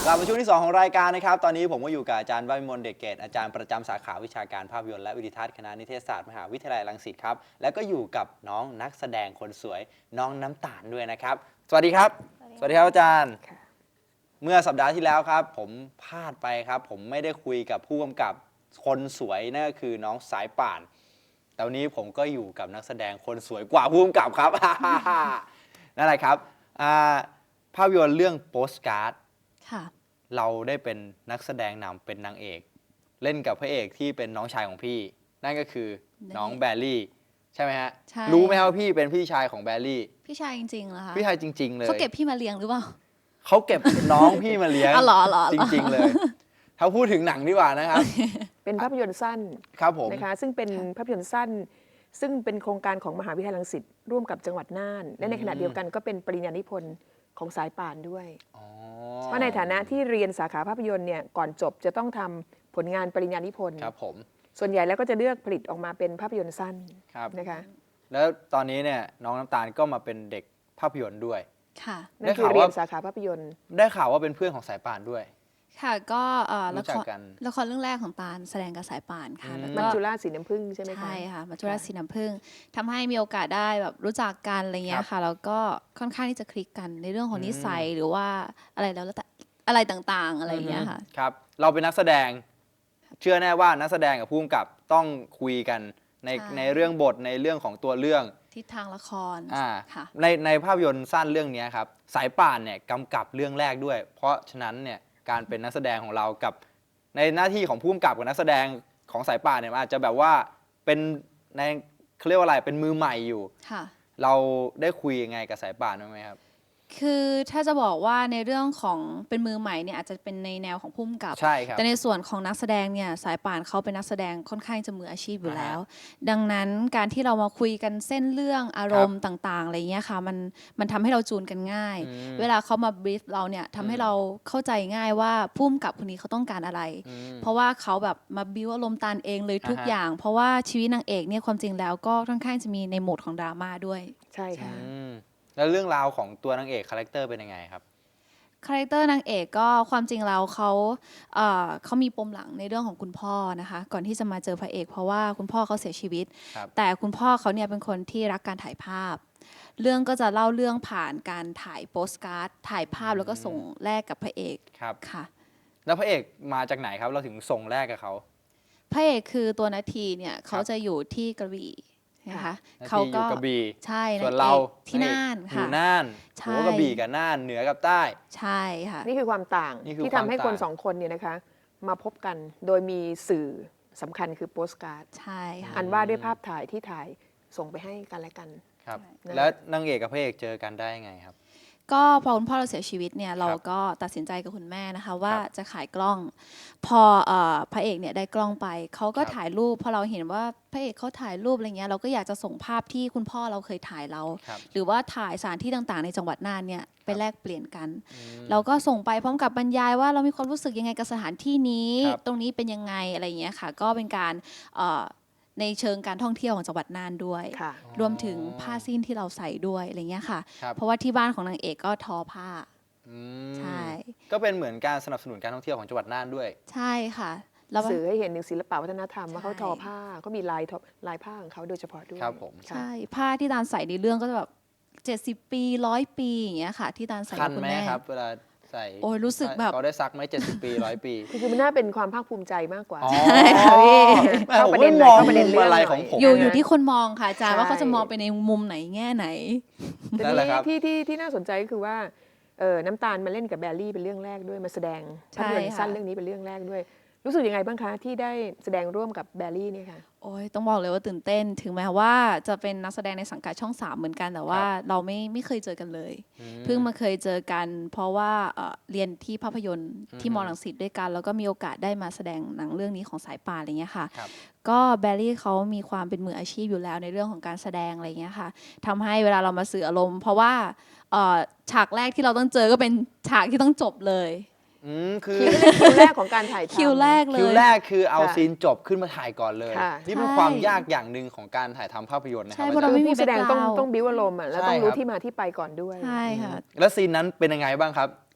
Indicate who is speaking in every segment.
Speaker 1: ลับมาช่วงที่2ของรายการนะครับตอนนี้ผมก็อยู่กับอาจารย์ววิมลเดชเกตอาจารย์ประจำสาขาวิชาการภาพยนตร์และวิดิทัศน์คณะนิเทศศาสตร์มหาวิทยาลัยรังสิตครับแล้วก็อยู่กับน้องนักแสดงคนสวยน้องน้ำตาลด้วยนะครับสวัสดีครับสวัสดีครับอาจารย์เมื่อสัปดาห์ที่แล้วครับผมพลาดไปครับผมไม่ได้คุยกับผู้กำกับคนสวยนั่นก็คือน้องสายป่านแต่วันนี้ผมก็อยู่กับนักแสดงคนสวยกว่าผู้กำกับครับ นั่นแหละครับภาพยนตร์เรื่องโปสการ์ดเราได้เป็นนักแสดงนำเป็นนางเอกเล่นกับพระเอกที่เป็นน้องชายของพี่นั่นก็คือน้องแบลลี่ใช่ไหมฮะรู้ไหมครับว่าพี่เป็นพี่ชายของแบลลี่
Speaker 2: พี่ชายจริงๆเหรอคะ
Speaker 1: พี่ชายจริงๆเลย
Speaker 2: เขาเก็บพี่มาเลี้ยงหรือเปล่า
Speaker 1: เขาเก็บน้องพี่มาเลี้ยงจริงๆเลยถ้าพูดถึงหนังดีกว่านะครับ
Speaker 3: เป็นภาพยนตร์สั้น
Speaker 1: ครับผม
Speaker 3: นะคะซึ่งเป็นภาพยนตร์สั้นซึ่งเป็นโครงการของมหาวิทยาลัยรังสิตร่วมกับจังหวัดน่านและในขณะเดียวกันก็เป็นปริญญานิพนธ์ของสายป่านด้วยเพราะในฐานะที่เรียนสาขาภาพยนตร์เนี่ยก่อนจบจะต้องทำผลงานปริญญานิพนธ์
Speaker 1: ครับผม
Speaker 3: ส่วนใหญ่แล้วก็จะเลือกผลิตออกมาเป็นภาพยนตร์สั้นนะคะ
Speaker 1: แล้วตอนนี้เนี่ยน้องน้ำตาลก็มาเป็นเด็กภาพยนตร์ด้วย
Speaker 2: ค่ะ
Speaker 3: นั่นคือเรียนสาขาภาพยนตร์
Speaker 1: ได้ข่าวว่าเป็นเพื่อนของสายป่านด้วย
Speaker 2: ค่ะก็
Speaker 1: ละ
Speaker 2: ครเรื่องแรกของตาลแสดงกับสายป่านค่ะ
Speaker 3: มัจจุราชสีน้ำผึ้งใช่ไหมคะ
Speaker 2: ใช่ค่ะมัจจุราชสีน้ำผึ้งทำให้มีโอกาสได้แบบรู้จักกันอะไรเงี้ยค่ะแล้วก็ค่อนข้างที่จะคลิกกันในเรื่องของนิสัยหรือว่าอะไรแล้วแต่อะไรต่างๆอะไรเงี้ยค่ะ
Speaker 1: ครับเราเป็นนักแสดงเชื่อแน่ว่านักแสดงกับผู้กำกับต้องคุยกันในเรื่องบทในเรื่องของตัวเรื่อง
Speaker 2: ทิศทางละคร
Speaker 1: ค่ะในภาพยนตร์สั้นเรื่องนี้ครับสายป่านเนี่ยกำกับเรื่องแรกด้วยเพราะฉะนั้นเนี่ยการเป็นนักแสดงของเรากับในหน้าที่ของผู้กำกับกับนักแสดงของสายป่านเนี่ยอาจจะแบบว่าเป็นในเขาเรียกว่าอะไรเป็นมือใหม่อยู่เราได้คุยยังไงกับสายป่านบ้างไหมครับ
Speaker 2: คือถ้าจะบอกว่าในเรื่องของเป็นมือใหม่เนี่ยอาจจะเป็นในแนวของผู้กำกับ
Speaker 1: ใช่ครับ
Speaker 2: แต่ในส่วนของนักแสดงเนี่ยสายป่านเขาเป็นนักแสดงค่อนข้างจะมืออาชีพอยู่แล้วดังนั้นการที่เรามาคุยกันเส้นเรื่องอารมณ์ต่างๆอะไรเงี้ยค่ะมันทำให้เราจูนกันง่ายเวลาเขามาบรีฟเราเนี่ยทำให้เราเข้าใจง่ายว่าผู้กำกับคนนี้เขาต้องการอะไรเพราะว่าเขาแบบมาบิวอารมณ์ตาลเองเลยทุกอย่างเพราะว่าชีวิตนางเอกเนี่ยความจริงแล้วก็ค่อนข้างจะมีในโหมดของดราม่าด้วย
Speaker 3: ใช่ค่ะ
Speaker 1: แล้วเรื่องราวของตัวนางเอกคาแรคเตอร์เป็นยังไงครับ
Speaker 2: คาแรคเตอร์นางเอกก็ความจริงแล้วเขามีปมหลังในเรื่องของคุณพ่อนะคะก่อนที่จะมาเจอพระเอกเพราะว่าคุณพ่อเขาเสียชีวิตแต่คุณพ่อเขาเนี่ยเป็นคนที่รักการถ่ายภาพเรื่องก็จะเล่าเรื่องผ่านการถ่ายโปสการ์ดถ่ายภาพแล้วก็ส่งแลกกับพระเอกค่ะ
Speaker 1: แล้วพระเอกมาจากไหนครับเราถึงส่งแลกกับเขา
Speaker 2: พระเอกคือตัวนาทีเนี่ยเขาจะอยู่ที่กระบี่นะคะเขาก็ใช่
Speaker 1: ส่วนเรา
Speaker 2: ที่น่าน
Speaker 1: ค่ะอยู่น่านหัวกระบี่กับน่านเหนือกับใต้
Speaker 2: ใช่ค่ะ
Speaker 3: นี่คือความต่างที่ทำให้คนสองคนเนี่ยนะคะมาพบกันโดยมีสื่อสำคัญคือโปสการ์ด
Speaker 2: ใช่ค่ะ
Speaker 3: อันว่าด้วยภาพถ่ายที่ถ่ายส่งไปให้กันและกัน
Speaker 1: ครับแล้วนางเอกกับพระเอกเจอกันได้ยังไงครับ
Speaker 2: ก็พอคุณพ่อเราเสียชีวิตเนี่ยเราก็ตัดสินใจกับคุณแม่นะคะว่าจะขายกล้องพอพระเอกเนี่ยได้กล้องไปเขาก็ถ่ายรูปพอเราเห็นว่าพระเอกเขาถ่ายรูปอะไรเงี้ยเราก็อยากจะส่งภาพที่คุณพ่อเราเคยถ่ายเราหรือว่าถ่ายสถานที่ต่างๆในจังหวัดน่านเนี่ยไปแลกเปลี่ยนกันเราก็ส่งไปพร้อมกับบรรยายว่าเรามีความรู้สึกยังไงกับสถานที่นี้ตรงนี้เป็นยังไงอะไรเงี้ยค่ะก็เป็นการในเชิงการท่องเที่ยวของจังหวัดน่านด้วยรวมถึงผ้าสิ้นที่เราใส่ด้วยอะไรเงี้ยค่ะเพราะว่าที่บ้านของนางเอกก็ทอผ้าใช่
Speaker 1: ก็เป็นเหมือนการสนับสนุนการท่องเที่ยวของจังหวัดน่านด้วย
Speaker 2: ใช่ค่ะ
Speaker 3: สื่อให้เห็นถึงศิลปวัฒนธรรมว่าเขาทอผ้าก็มีลายผ้าของเขาโดยเฉพาะด้วย
Speaker 1: ครับผม
Speaker 2: ใช่ผ้าที่ตาลใส่ในเรื่องก็จะแบบ70 ปี100 ปีอย่างเงี้ยค่ะที่ตาลใส่
Speaker 1: กับคุณแม่ครับเวลาใส่
Speaker 2: โอ้ยรู้สึกแบบ
Speaker 1: เขาได้ซักไหม70 ปี100 ปี
Speaker 3: คือมันน่าเป็นความภาคภูมิใจมากกว่า
Speaker 2: ใช่ค่ะพี่
Speaker 1: เข้าประเด็นเลยเข้าประเด็นเรื่องอะไรของผม
Speaker 2: อยู่ที่คนมองค่ะอาจารย์ว่าเขาจะมองไปในมุมไหนแง่ไหน
Speaker 3: แต่ที่น่าสนใจก็คือว่าน้ำตาลมาเล่นกับแบลลี่เป็นเรื่องแรกด้วยมาแสดงภาพยนตร์สั้นเรื่องนี้เป็นเรื่องแรกด้วยรู้สึกยังไงบ้างคะที่ได้แสดงร่วมกับแบลลี่เนี่ยค่ะ
Speaker 2: โอ้ยต้องบอกเลยว่าตื่นเต้นถึงแม้ว่าจะเป็นนักแสดงในสังกัดช่อง3เหมือนกันแต่ว่าเราไม่เคยเจอกันเลยเพิ่งมาเคยเจอกันเพราะว่าเรียนที่ภาพยนตร์ที่มอรังสิตด้วยกันแล้วก็มีโอกาสได้มาแสดงหนังเรื่องนี้ของสายป่านอะไรเงี้ยค่ะก็แบลลี่เขามีความเป็นมืออาชีพอยู่แล้วในเรื่องของการแสดงอะไรเงี้ยค่ะทำให้เวลาเรามาสื่ออารมณ์เพราะว่าฉากแรกที่เราต้องเจอก็เป็นฉากที่ต้องจบเลย
Speaker 1: คือ
Speaker 3: คิวแรกของการถ่ายทำ
Speaker 2: คิวแรกเลย
Speaker 1: คิวแรกคือเอาซีนจบขึ้นมาถ่ายก่อนเลยนี่เป็นความยากอย่างหนึ่งของการถ่ายทำภาพยนตร์นะครับ
Speaker 2: เพราะเราไม่มี
Speaker 3: แสดงต้องบิ้วอารมณ์แล้วต้องรู้ที่มาที่ไปก่อนด้วย
Speaker 2: ใช่ค่ะ
Speaker 1: แล้วซีนนั้นเป็นยังไงบ้างครับ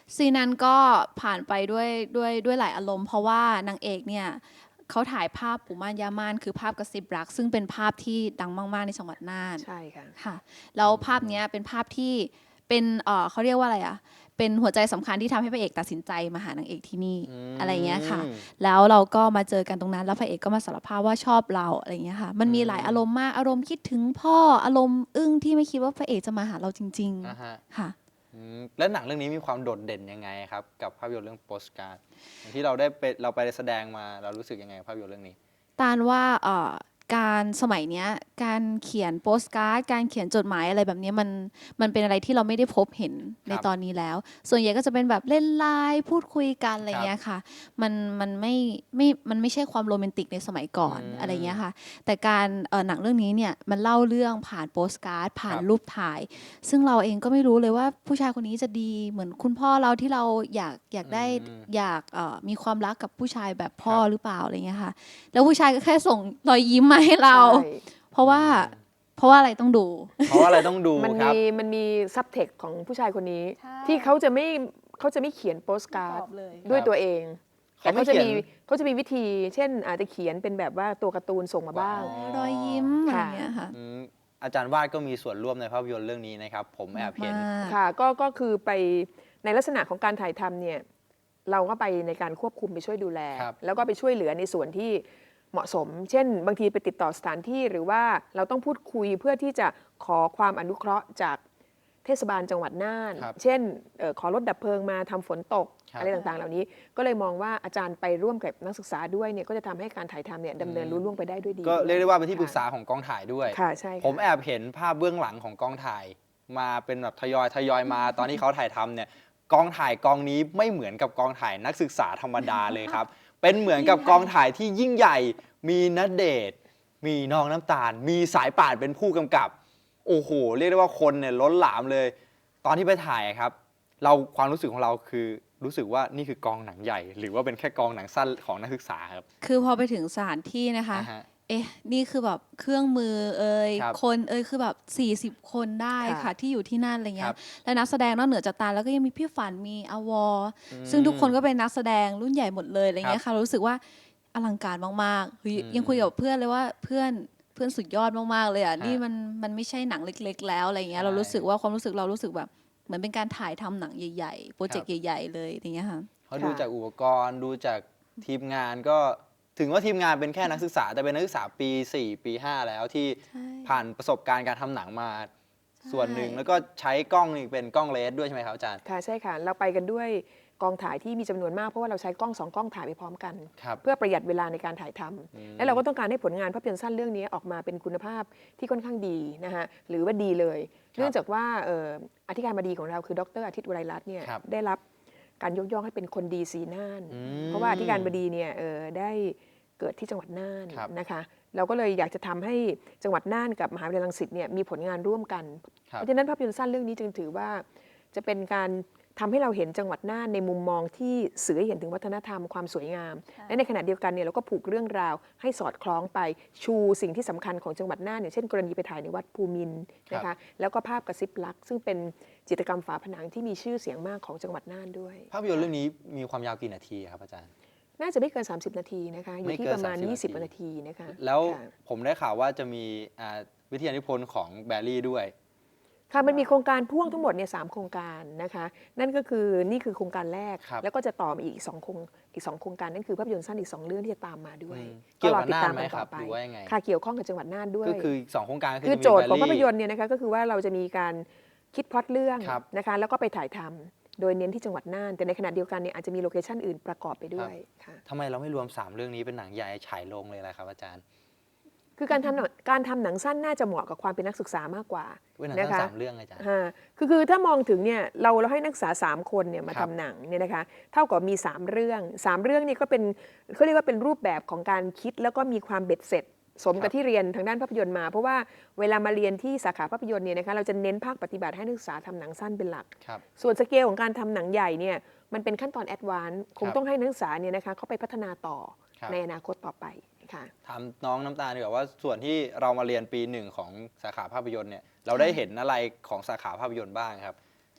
Speaker 2: ซีนนั้นก็ผ่านไปด้วยหลายอารมณ์ เพราะว่านางเอกเนี่ยเขาถ่ายภาพปู่ม่านย่าม่านคือภาพกระซิบรัก ซึ่งเป็นภาพที่ดังมากๆในจังหวัดน่าน
Speaker 3: ใช่ค่ะ
Speaker 2: ค่ะแล้วภาพเนี้ยเป็นภาพที่เป็นเขาเรียกว่าอะไรอ่ะเป็นหัวใจสำคัญที่ทำให้พระเอกตัดสินใจมาหานางเอกที่นี่อะไรเงี้ยค่ะแล้วเราก็มาเจอกันตรงนั้นแล้วพระเอกก็มาสารภาพว่าชอบเราอะไรเงี้ยค่ะมันมีหลายอารมณ์มากอารมณ์คิดถึงพ่ออารมณ์อึ้งที่ไม่คิดว่าพระเอกจะมาหาเราจริง
Speaker 1: อ่าฮะ
Speaker 2: ๆค่ะ
Speaker 1: แล้วหนังเรื่องนี้มีความโดดเด่นยังไงครับกับภาพยนตร์เรื่องโปสการ์ดอย่างที่เราไปแสดงมาเรารู้สึกยังไงกับภาพยนตร์เรื่องนี้
Speaker 2: ตาลว่าการสมัยเนี้ยการเขียนโปสการ์ดการเขียนจดหมายอะไรแบบเนี้ยมันเป็นอะไรที่เราไม่ได้พบเห็นในตอนนี้แล้ว ส่วนใหญ่ก็จะเป็นแบบเล่นไลน์พูดคุยกันอะไรเงี้ยค่ะมันไม่ใช่ความโรแมนติกในสมัยก่อนอะไรเงี้ยค่ะแต่การหนังเรื่องนี้เนี่ยมันเล่าเรื่องผ่านโปสการ์ดผ่านรูปถ่าย ซึ่งเราเองก็ไม่รู้เลยว่าผู้ชายคนนี้จะดีเหมือนคุณพ่อเราที่เราอยากได้อยากมีความรักกับผู้ชายแบบพ่อหรือเปล่าอะไรเงี้ยค่ะแล้วผู้ชายก็แค่ส่งรอยยิ้มมาให้เรา
Speaker 3: ใช่
Speaker 2: เพราะว่าอะไรต้องดู
Speaker 1: เพราะว่าอะไรต้องดู
Speaker 3: มัน
Speaker 1: ครับ
Speaker 3: มีซับเทคของผู้ชายคนนี้
Speaker 2: ใช่
Speaker 3: ที่เขาจะไม่เขียนโปสการ์ด
Speaker 2: เลย
Speaker 3: ด้วยตัวเอง แต่
Speaker 1: เขาไม่
Speaker 3: เขาจะมีวิธี เช่นอาจจะเขียนเป็นแบบว่าตัวการ์ตูนส่งมาบ้าง
Speaker 2: รอยยิ้มอะไร
Speaker 3: ค่ะ
Speaker 2: เงี้ยค่ะ
Speaker 1: อาจารย์วาดก็มีส่วนร่วมในภาพยนตร์เรื่องนี้นะครับ ผมแอบเห็น
Speaker 2: มาก
Speaker 3: ค่ะก็คือไปในลักษณะของการถ่ายทำเนี่ยเราก็ไปในการควบคุมไปช่วยดูแล
Speaker 1: ครับ
Speaker 3: แล้วก็ไปช่วยเหลือในส่วนที่เหมาะสม เช่น บางทีไปติดต่อสถานที่หรือว่าเราต้องพูดคุยเพื่อที่จะขอความอนุเคราะห์จากเทศบาลจังหวัดน่าน
Speaker 1: ครับ
Speaker 3: เช่นขอรถดับเพลิงมาทำฝนตก
Speaker 1: ครับ
Speaker 3: อะไรต่างๆ เหล่านี้ก็เลยมองว่าอาจารย์ไปร่วมกับนักศึกษาด้วยเนี่ยก็จะทำให้การถ่ายทำเนี่ยดำเนินรุ่ล่วงไปได้ด้วยดี
Speaker 1: ก็เรียกได้ว่าเป็นที่ปรึกษา
Speaker 3: ค่ะ
Speaker 1: ของกองถ่ายด้วย
Speaker 3: ค่ะใช่ค่ะ
Speaker 1: ผมแอบเห็นภาพเบื้องหลังของกองถ่ายมาเป็นแบบทยอยมา ตอนที่เขาถ่ายทำเนี่ยกองถ่ายกองนี้ไม่เหมือนกับกองถ่ายนักศึกษาธรรมดาเลยครับ เป็นเหมือนกับกองถ่ายที่ยิ่งใหญ่ มีณเดชน์มีน้องน้ำตาล มีสายป่านเป็นผู้กำกับ โอ้โหเรียกได้ว่าคนเนี่ยล้นหลามเลย ตอนที่ไปถ่ายครับ ความรู้สึกของเราคือรู้สึกว่านี่คือกองหนังใหญ่ หรือว่าเป็นแค่กองหนังสั้นของนักศึกษาครับ
Speaker 2: คือพอไปถึงสถานที่นะคะ
Speaker 1: อ่าฮะ
Speaker 2: เอ๊ะ นี่คือแบบเครื่องมือ
Speaker 1: ครับ
Speaker 2: คนคือแบบ40 คนได้
Speaker 3: ค่ะ
Speaker 2: ค่ะที่อยู่ที่นั่นอะไรเงี้
Speaker 1: ครั
Speaker 2: ย
Speaker 1: บ
Speaker 2: และนักแสดงนอกเหนือจากตาลแล้วก็ยังมีพี่ฝันมีอวอซึ่งทุกคนก็เป็นนักแสดงรุ่นใหญ่หมดเลยอะไรเงี้ยค่ะรู้สึกว่าอลังการมากๆเฮ้ยยังคุยกับเพื่อนเลยว่าเพื่อนสุดยอดมากๆเลยอ่ะ
Speaker 1: ฮะ
Speaker 2: นี่มันไม่ใช่หนังเล็ก ๆ แล้วอะไรเงี้ย
Speaker 1: ใช่
Speaker 2: เรารู้สึกว่าความรู้สึกเรารู้สึกแบบเหมือนเป็นการถ่ายทำหนังใหญ่ๆโปรเจกต์ใหญ่ๆเลยอย่างเงี้ยค่ะ
Speaker 1: เขาดูจากอุปกรณ์ดูจากทีมงานก็ถึงว่าทีมงานเป็นแค่นักศึกษา แต่เป็นนักศึกษาปี 4 ปี 5 แล้วที่
Speaker 2: ใช่
Speaker 1: ผ่านประสบการณ์การทำหนังมาส่วนหนึ่ง แล้วก็ใช้กล้องนี่เป็นกล้องเลนส์ด้วยใช่ไหมครับอาจารย์
Speaker 3: ค่ะใช่ค่ะ เราไปกันด้วยกองถ่ายที่มีจำนวนมากเพราะว่าเราใช้กล้อง2 กล้องถ่ายไปพร้อมกัน
Speaker 1: ครับ
Speaker 3: เพื่อประหยัดเวลาในการถ่ายทำและเราก็ต้องการให้ผลงานภาพยนตร์สั้นเรื่องนี้ออกมาเป็นคุณภาพที่ค่อนข้างดีนะคะหรือว่าดีเลย เนื่องจากว่าอธิการบดีของเราคือดรอาทิตย์อุไรรัตน์เนี่ย
Speaker 1: ครับ
Speaker 3: ได้รับการยกย่องให้เป็นคนดีสีน่าน
Speaker 1: อืม
Speaker 3: เพราะว่าอธิการบดีเนี่ยได้เกิดที่จังหวัดน่าน
Speaker 1: ครับ
Speaker 3: นะคะเราก็เลยอยากจะทำให้จังหวัดน่านกับมหาวิทยาลัยรังสิตเนี่ยมีผลงานร่วมกัน
Speaker 1: ครับ
Speaker 3: เพราะฉะนั้นภาพยนตร์สั้นเรื่องนี้จึงถือว่าจะเป็นการทำให้เราเห็นจังหวัดน่านในมุมมองที่สื่อให้เห็นถึงวัฒนธรรมความสวยงาม และในขณะเดียวกันเนี่ยเราก็ผูกเรื่องราวให้สอดคล้องไปชูสิ่งที่สำคัญของจังหวัดน่านอย่างเช่นกรณีไปถ่ายในวัดภูมินทร์นะคะแล้วก็ภาพกระซิบรัก ซึ่งเป็นจิตรกรรมฝาผนังที่มีชื่อเสียงมากของจังหวัดน่านด้วย
Speaker 1: ภาพยนตร์เรื่องนี้มีความยาวกี่นาทีครับอาจารย์
Speaker 3: น่าจะไม่เกิน 30 นาทีนะคะอยู่
Speaker 1: ไม่
Speaker 3: ที่
Speaker 1: เกิน
Speaker 3: ประมาณ
Speaker 1: 30
Speaker 3: 20 นาทีนะคะ
Speaker 1: แล้ว
Speaker 3: ค่ะ
Speaker 1: ผมได้ข่าวว่าจะมีวิทยานิพนธ์ของแบรี่ด้วย
Speaker 3: ค่ะมันมีโครงการพ่วงทั้งหมดเนี่ย3โครงการนะคะนั่นก็คือนี่คือโครงการแรก
Speaker 1: ครับ
Speaker 3: แล้วก็จะต่อมาอีก2โครงการนั่นคือภาพยนตร์สั้นอีก2เรื่องที่จะตามมาด้วย
Speaker 1: เกี่ยวกับ
Speaker 3: รอติด
Speaker 1: น่าน
Speaker 3: ตาม
Speaker 1: ไหม
Speaker 3: กัน
Speaker 1: ค
Speaker 3: ต่
Speaker 1: รั
Speaker 3: อบ ไป
Speaker 1: หรือว่ายังไง
Speaker 3: ค่ะเกี่ยวข้องกับจังหวัดน่านด้วย
Speaker 1: ก็คือสองโครงการ
Speaker 3: คือ
Speaker 1: จะมี
Speaker 3: โจทย์ของ
Speaker 1: แบ
Speaker 3: ภาพ
Speaker 1: รี่
Speaker 3: ยนตร์เนี่ยนะคะก็คือว่าเราจะมีการคิดพล็อตเรื่อง
Speaker 1: ครับ
Speaker 3: นะคะแล้วก็ไปถ่ายทำโดยเน้นที่จังหวัดน่าน แต่ในขณะเดียวกันเนี่ยอาจจะมีโลเคชั่นอื่นประกอบไปด้วยค่ะ
Speaker 1: ทำไมเราไม่รวม 3 เรื่องนี้เป็นหนังใหญ่ฉายลงเลยล่ะครับอาจารย์
Speaker 3: คือการทำหนังสั้นน่าจะเหมาะกับความเป็นนักศึกษามากกว่า
Speaker 1: เป็นหนัง
Speaker 3: นะ
Speaker 1: สั้น
Speaker 3: คะ
Speaker 1: 3 เรื่องอาจารย์
Speaker 3: คือถ้ามองถึงเนี่ยเราให้นักศึกษา3 คนเนี่ยมา
Speaker 1: ครั
Speaker 3: ทำ
Speaker 1: บ
Speaker 3: หนังเนี่ยนะคะเท่ากับมี3 เรื่อง3 เรื่องนี่ก็เป็นเขาเรียกว่าเป็นรูปแบบของการคิดแล้วก็มีความเบ็ดเสร็จ สมกับที่เรียนทางด้านภาพยนตร์มา เพราะว่าเวลามาเรียนที่สาขาภาพยนตร์เนี่ยนะคะเราจะเน้นภาคปฏิบัติให้นักศึกษาทำหนังสั้นเป็นหลัก
Speaker 1: ครับ
Speaker 3: ส่วนสเกลของการทำหนังใหญ่เนี่ยมันเป็นขั้นตอนแอดวานซ์คง
Speaker 1: ครับ
Speaker 3: ต้องให้นักศึกษาเนี่ยนะคะเข้าไปพัฒนาต่อ
Speaker 1: ครับ
Speaker 3: ในอนาคตต่อไปค่ะ
Speaker 1: ถามน้องน้ำตาลดีกว่าว่าส่วนที่เรามาเรียนปี 1ของสาขาภาพยนตร์เนี่ยเราได้เห็นอะไรของสาขาภาพยนตร์บ้างครับ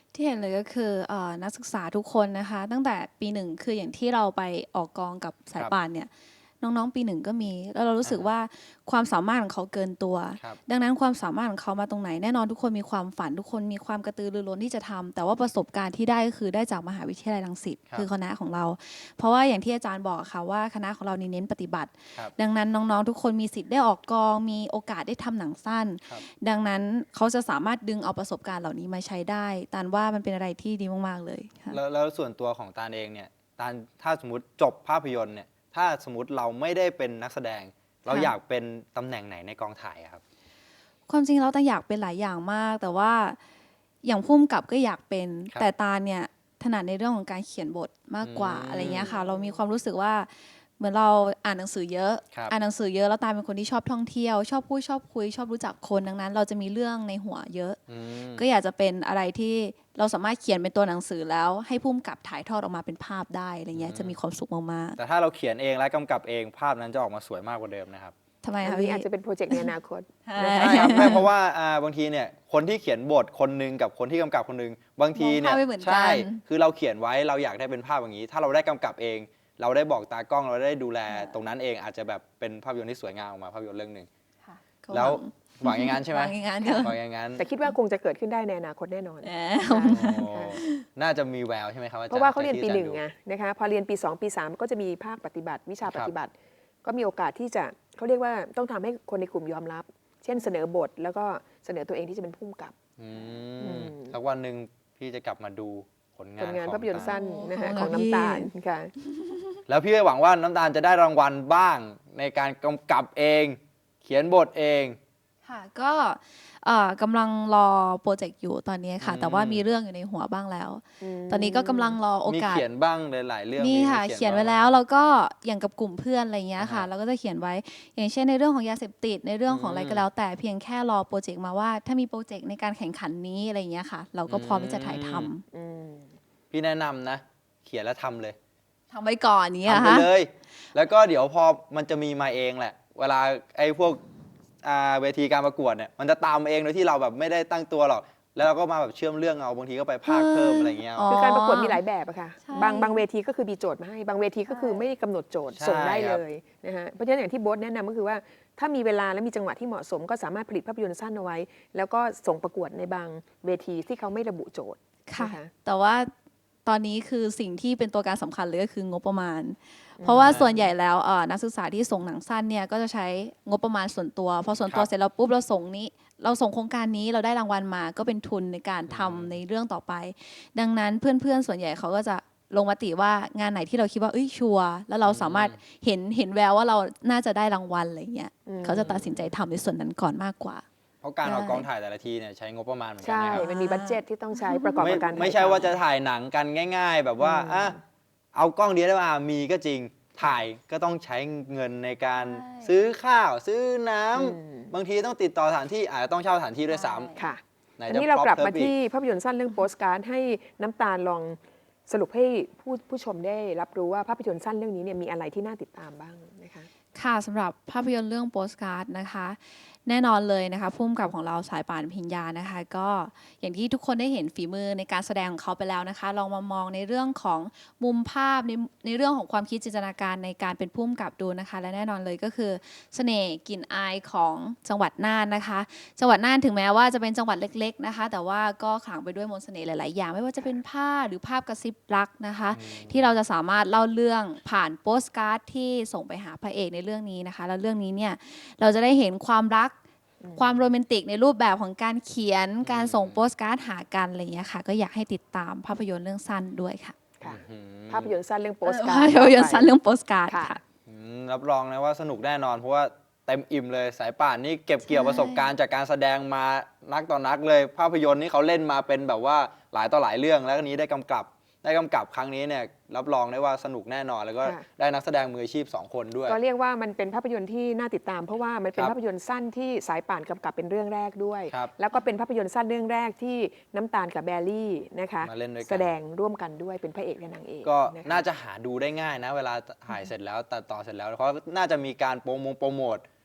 Speaker 2: ที่เห็นเลยก็คือนักศึกษาทุกคนนะคะ ตั้งแต่ปีหนึ่งคืออย่างที่เราไปออกกองกับสายป่านเนี่ยน้องๆปีหนึ่งก็มี แล้วเรารู้สึกว่าความสามารถของเขาเกินตัว
Speaker 1: ครับ
Speaker 2: ดังนั้นความสามารถของเขามาตรงไหนแน่นอนทุกคนมีความฝันทุกคนมีความกระตือรือร้นที่จะทำแต่ว่าประสบการณ์ที่ได้ก็คือได้จากมหาวิทยาลัยรังสิต
Speaker 1: ครับ
Speaker 2: คือคณะของเรา เพราะว่าอย่างที่อาจารย์บอกค่ะว่าคณะของเราเน้นปฏิบัติ
Speaker 1: ครับ
Speaker 2: ดังนั้นน้องๆทุกคนมีสิทธิ์ได้ออกกองมีโอกาสได้ทำหนังสั้น
Speaker 1: ครับ
Speaker 2: ดังนั้นเขาจะสามารถดึงเอาประสบการณ์เหล่านี้มาใช้ได้ตานว่ามันเป็นอะไรที่ดีมากๆเลยค่ะ
Speaker 1: แล้วส่วนตัวของตาลเองเนี่ยตาลถ้าสมมติจบภาพยนตร์เนี่ยถ้าสมมติเราไม่ได้เป็นนักแสดง เราอยากเป็นตำแหน่งไหนในกองถ่ายอะครับ
Speaker 2: ความจริงเราแต่อยากเป็นหลายอย่างมาก แต่ว่าอย่างพุ่มกับก็อยากเป็น
Speaker 1: ครับ
Speaker 2: แต่ตาเนี่ยถนัดในเรื่องของการเขียนบทมากกว่า
Speaker 1: อืม
Speaker 2: อะไรเงี้ยค่ะ เรามีความรู้สึกว่าเหมือนเราอ่านหนังสือเยอะ
Speaker 1: ครับ
Speaker 2: อ่านหนังสือเยอะแล้วตาเป็นคนที่ชอบท่องเที่ยว ชอบพูดชอบคุย ชอบรู้จักคนดังนั้น เราจะมีเรื่องในหัวเยอะ
Speaker 1: อืม
Speaker 2: ก็อยากจะเป็นอะไรที่เราสามารถเขียนเป็นตัวหนังสือแล้ว ให้พุ่มกับถ่ายทอดออกมาเป็นภาพได้อะไรเงี้ยจะมีความสุขมาก
Speaker 1: แต่ถ้าเราเขียนเองและกำกับเองภาพนั้นจะออกมาสวยมากกว่าเดิมนะครับ
Speaker 2: ๆทำไม
Speaker 3: อัน
Speaker 2: คะ
Speaker 3: นี้
Speaker 2: พี่
Speaker 3: อาจจะเป็นโปรเจกต์ในอนาคต
Speaker 2: ใช่
Speaker 1: ใช่ครับไม่เพราะว่าบางทีเนี่ยคนที่เขียนบทคนหนึงกับคนที่กำกับคนหนึงบางทีเนี่ย
Speaker 2: มองภาพไม่เหมือนกัน
Speaker 1: ใช่คือเราเขียนไว้เราอยากได้เป็นภาพอย่างนี้ ถ้าเราได้กำกับเอง เราได้บอกตากล้องเราได้ดูแลตรงนั้นเองอาจจะแบบเป็นภาพยนตร์ที่สวยงามออกมาภาพยนตร์เรื่องหนึ่ง
Speaker 2: ค่ะก็
Speaker 1: แล้ว
Speaker 2: หวัง
Speaker 1: หวังอย่างนั้นใช่ไหม
Speaker 2: หวังอย่างนั้นเถอะ
Speaker 1: หวังอย่างนั้น
Speaker 3: แต่คิดว่าคงจะเกิดขึ้นได้ในอนาคตแน่นอน
Speaker 2: แหม
Speaker 1: โอ้น่าจะมีแววใช่ไหมครับอาจารย์
Speaker 3: เพราะว่าเขาเรียนปี
Speaker 1: จก
Speaker 3: ห
Speaker 1: ที่
Speaker 3: นึ่ง
Speaker 1: อาจารย์ดู
Speaker 3: ไงนะคะพอเรียนปี 2 ปี 3 ก็จะมีภาคปฏิบัติ วิชาปฏิบัติ ก็มีโอกาสที่จะเขาเรียกว่าต้องทำให้คนในกลุ่มยอมรับ เช่นเสนอบท แล้วก็เสนอตัวเองที่จะเป็นผู้กำกับ
Speaker 1: อื
Speaker 3: อื
Speaker 1: ม
Speaker 3: ม
Speaker 1: สักวันหนึ่งพี่จะกลับมาดูผล
Speaker 3: ผ
Speaker 1: งาน
Speaker 3: ลงาน
Speaker 1: ของ
Speaker 3: ภาพยนตร์
Speaker 1: ตาล
Speaker 3: สั้นนะฮะ
Speaker 2: ข
Speaker 3: ข
Speaker 2: อ
Speaker 3: อง ง
Speaker 2: พี่
Speaker 3: น้ำตาลค่ะ
Speaker 1: แล้วพี่ก็หวังว่าน้ำตาลจะได้รางวัลบ้างในการกำกับเอง เขียนบทเอง
Speaker 2: ค่ะก็กำลังรอโปรเจกต์อยู่ตอนนี้ค่ะ
Speaker 1: อืม
Speaker 2: แต่ว่ามีเรื่องอยู่ในหัวบ้างแล้ว
Speaker 3: อืม
Speaker 2: ตอนนี้ก็กำลังรอโอ
Speaker 1: มี
Speaker 2: กาส
Speaker 1: เขียนบ้างหลายๆเรื่อง
Speaker 2: มีค่ะ
Speaker 1: บ้าง
Speaker 2: เขียนไว้แล้วแล้วก็อย่างกับกลุ่มเพื่อนอะไรเงี้ยค่ะ
Speaker 1: อ่าฮะ
Speaker 2: เราก็จะเขียนไว้ อย่างเช่นในเรื่องของยาเสพติดในเรื่องของอะไรก็แล้ว แต่เพียงแค่รอโปรเจกต์มาว่า ถ้ามีโปรเจกต์ในการแข่งขันนี้อะไรเงี้ยค่ะ เราก็พร้อมที่จะถ่ายทำ
Speaker 3: อืม
Speaker 1: พี่แนะนำนะ เขียนแล้วทำเลย
Speaker 2: ทำไว้ก่อนนี้
Speaker 1: ทำ
Speaker 2: อะ
Speaker 1: ไป
Speaker 2: คะ
Speaker 1: เลย แล้วก็เดี๋ยวพอมันจะมีมาเองแหละ เวลาไอ้พวกเวทีการประกวดเนี่ยมันจะตามมาเองโดยที่เราแบบไม่ได้ตั้งตัวหรอก แล้วเราก็มาแบบเชื่อมเรื่องเอาบางทีก็ไปพากย์เพิ่มอะไรเงี้ย
Speaker 2: อ๋อ
Speaker 3: คือการประกวดมีหลายแบบอะค่ะ
Speaker 2: ใช่
Speaker 3: บางเวทีก็คือมีโจทย์มาให้ บางเวทีก็คือไม่ได้กำหนดโจทย์
Speaker 1: ใช่
Speaker 3: ส่งได้
Speaker 1: ค
Speaker 3: เล
Speaker 1: รับ
Speaker 3: ยนะฮะ เพราะฉะนั้นอย่างที่โบ๊ทแนะนำก็คือว่าถ้ามีเวลาและมีจังหวะที่เหมาะสม ก็สามารถผลิตภาพยนตร์สั้นเอาไว้ แล้วก็ส่งประกวดในบางเวทีที่เขาไม่ระบุโจทย์
Speaker 2: ค่ะ
Speaker 3: นะคะ
Speaker 2: แต่ว่าตอนนี้คือสิ่งที่เป็นตัวการสำคัญเลยก็คืองบประมาณ เพราะว่าส่วนใหญ่แล้วนักศึกษาที่ส่งหนังสั้นเนี่ยก็จะใช้งบประมาณส่วนตัว พอส่วนตัว
Speaker 1: ครับ
Speaker 2: เสร็จแล้วปุ๊บเราส่งโครงการนี้เราได้รางวัลมาก็เป็นทุนในการทำในเรื่องต่อไป ดังนั้นเพื่อนๆส่วนใหญ่เขาก็จะลงมติว่างานไหนที่เราคิดว่าเอ้ยชัวร์แล้วเราสามารถเห็นแววว่าเราน่าจะได้รางวัลอะไรเงี้ย
Speaker 3: อืม
Speaker 2: เขาจะตัดสินใจทำในส่วนนั้นก่อนมากกว่า
Speaker 1: เพราะการออก
Speaker 2: ใช่
Speaker 1: กองถ่ายแต่ละทีเนี่ยใช้งบประมาณเหมือนกัน
Speaker 3: ใช่
Speaker 1: นะครับ
Speaker 3: มันมีบัตเจ็ตที่ต้องใช้ประกอบกับการถ่าย
Speaker 1: ไม่ใช่
Speaker 3: ทำ
Speaker 1: ว่าจะถ่ายหนังกันง่าย ๆ แบบว่าเอากล้องเดียวได้มามีก็จริงถ่ายก็ต้องใช้เงินในการ
Speaker 2: ใช่
Speaker 1: ซื้อข้าว ซื้อน้ำ
Speaker 3: อืม
Speaker 1: บางทีต้องติดต่อสถานที่อาจจะต้องเช่าสถานที่ด้วยซ้
Speaker 3: ค่ะ
Speaker 1: ำไหน
Speaker 3: อัน
Speaker 1: จะ
Speaker 3: นี้เรากลับ
Speaker 1: prop
Speaker 3: มา
Speaker 1: เพิ่อี
Speaker 3: ที่ภาพยนตร์สั้นเรื่องโปสการ์ดให้น้ำตาลลองสรุปให้ผู้ชมได้รับรู้ว่าภาพยนตร์สั้นเรื่องนี้เนี่ยมีอะไรที่น่าติดตามบ้างนะคะ
Speaker 2: ค่ะสำหรับภาพยนตร์เรื่องโปสการ์ดนะคะ แน่นอนเลยนะคะพุ่มกับของเราสายป่านพิญญานะคะ ก็อย่างที่ทุกคนได้เห็นฝีมือในการแสดงของเขาไปแล้วนะคะ ลองมามองในเรื่องของมุมภาพในเรื่องของความคิดจินตนาการในการเป็นพุ่มกับดูนะคะ และแน่นอนเลยก็คือเสน่ห์กลิ่นอายของจังหวัดน่านนะคะ จังหวัดน่านถึงแม้ว่าจะเป็นจังหวัดเล็ก ๆนะคะ แต่ว่าก็ขลังไปด้วยมนต์เสน่ห์หลาย ๆ อย่าง ไม่ว่าจะเป็นผ้าหรือภาพกระซิบรักนะคะ ที่เราจะสามารถเล่าเรื่องผ่านโปสการ์ดที่ส่งไปหาพระเอกในเรื่องนี้นะคะ แล้วเรื่องนี้เนี่ยเราจะได้เห็นความรัก ความโรแมนติกในรูปแบบของการเขียนการส่งโปสการ์ดหากันอะไรอย่างเงี้ยค่ะ ก็อยากให้ติดตามภาพยนตร์เรื่องสั้นด้วยค่ะ
Speaker 3: ค่ะ
Speaker 1: อืม
Speaker 3: ภาพยนตร์สั้นเรื่องโปสการ์
Speaker 2: ภา
Speaker 3: ด
Speaker 2: พยนตร์สั้นเรื่องโปสการ์ด
Speaker 3: ค่ะ
Speaker 2: ค่ะ
Speaker 1: รับรองนะว่าสนุกแน่นอนเพราะว่าเต็มอิ่มเลยสายป่านนี่เก็บเกี่ยว
Speaker 2: ใช่
Speaker 1: ประสบการณ์จากการแสดงมานักต่อนักเลย ภาพยนตร์นี่เขาเล่นมาเป็นแบบว่าหลายต่อหลายเรื่องแล้วก็นี้ได้กำกับครั้งนี้เนี่ยรับรองได้ว่าสนุกแน่นอน แล้วก็
Speaker 3: ค่ะ
Speaker 1: ได้นักแสดงมืออาชีพ 2 คนด้วย
Speaker 3: ก็เรียกว่ามันเป็นภาพยนตร์ที่น่าติดตาม เพราะว่ามันเป็น
Speaker 1: ครับ
Speaker 3: ภาพยนตร์สั้นที่สายป่านกำกับเป็นเรื่องแรกด้วย
Speaker 1: ครับ
Speaker 3: แล้วก็เป็นภาพยนตร์สั้นเรื่องแรกที่น้ำตาลกับแบลลี่นะคะ
Speaker 1: มาเล่นด้วยกัน
Speaker 3: แสดงร่วมกันด้วยเป็นพระเอกและนางเอก
Speaker 1: ก็
Speaker 3: นะคะ
Speaker 1: น่าจะหาดูได้ง่ายนะ เวลาถ่ายเสร็จแล้วตัดต่อเสร็จแล้วเพราะน่าจะมีการโปรโมท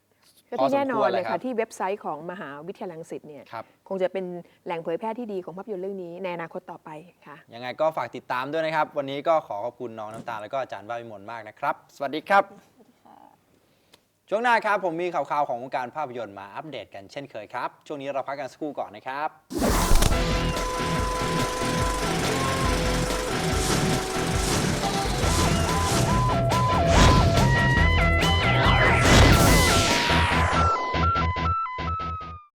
Speaker 3: ก็ที่แน่นอนเลย
Speaker 1: พอสมควรเลยครั
Speaker 3: ค่ะ
Speaker 1: บ
Speaker 3: ที่เว็บไซต์ของมหาวิทยาลัยรังสิตเนี่ย
Speaker 1: ครับ
Speaker 3: คงจะเป็นแหล่งเผยแพร่ที่ดีของภาพยนตร์เรื่องนี้ในอนาคตต่อไปค่ะ
Speaker 1: ยังไงก็ฝากติดตามด้วยนะครับ วันนี้ก็ขอขอบคุณน้องน้ำตาลแล้วก็อาจารย์ว่าวิมลมากนะครับ สวัสดีครับ ช่วงหน้าครับผมมีข่าวๆของวงการภาพยนตร์มาอัปเดตกันเช่นเคยครับ ช่วงนี้เราพักกันสักครู่ก่อนนะครับ